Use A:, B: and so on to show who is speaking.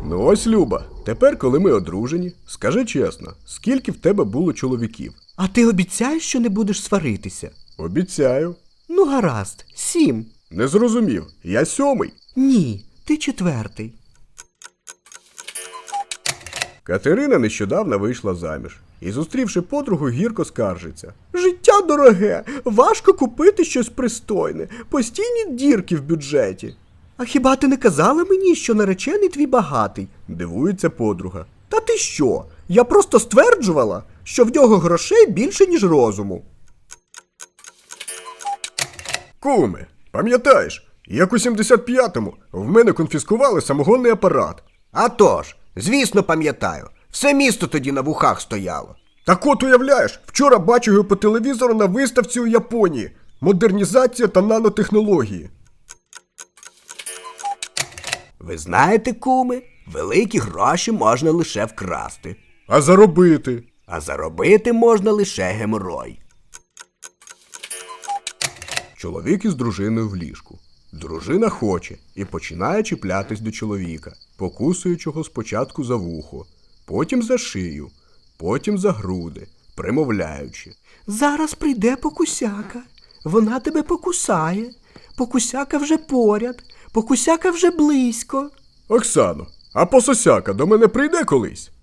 A: Ну ось, Люба, тепер, коли ми одружені, скажи чесно, скільки в тебе було чоловіків?
B: А ти обіцяєш, що не будеш сваритися?
A: Обіцяю.
B: Ну, гаразд, 7.
A: Не зрозумів, я 7-й.
B: Ні, ти 4.
A: Катерина нещодавно вийшла заміж і, зустрівши подругу, гірко скаржиться. Життя дороге, важко купити щось пристойне, постійні дірки в бюджеті.
B: А хіба ти не казала мені, що наречений твій багатий?
A: Дивується подруга.
B: Та ти що? Я просто стверджувала, що в нього грошей більше, ніж розуму.
A: Куме, пам'ятаєш, як у 75-му в мене конфіскували самогонний апарат?
B: А тож, звісно, пам'ятаю. Все місто тоді на вухах стояло.
A: Так от уявляєш, вчора бачив його по телевізору на виставці у Японії. Модернізація та нанотехнології.
B: Ви знаєте, куми, великі гроші можна лише вкрасти.
A: А заробити?
B: А заробити можна лише геморой.
A: Чоловік із дружиною в ліжку. Дружина хоче і починає чіплятись до чоловіка, покусуючи його спочатку за вухо, потім за шию, потім за груди, примовляючи.
B: Зараз прийде покусяка. Вона тебе покусає. Покусяка вже поряд. Покусяка вже близько.
A: Оксано, а пососяка до мене прийде колись?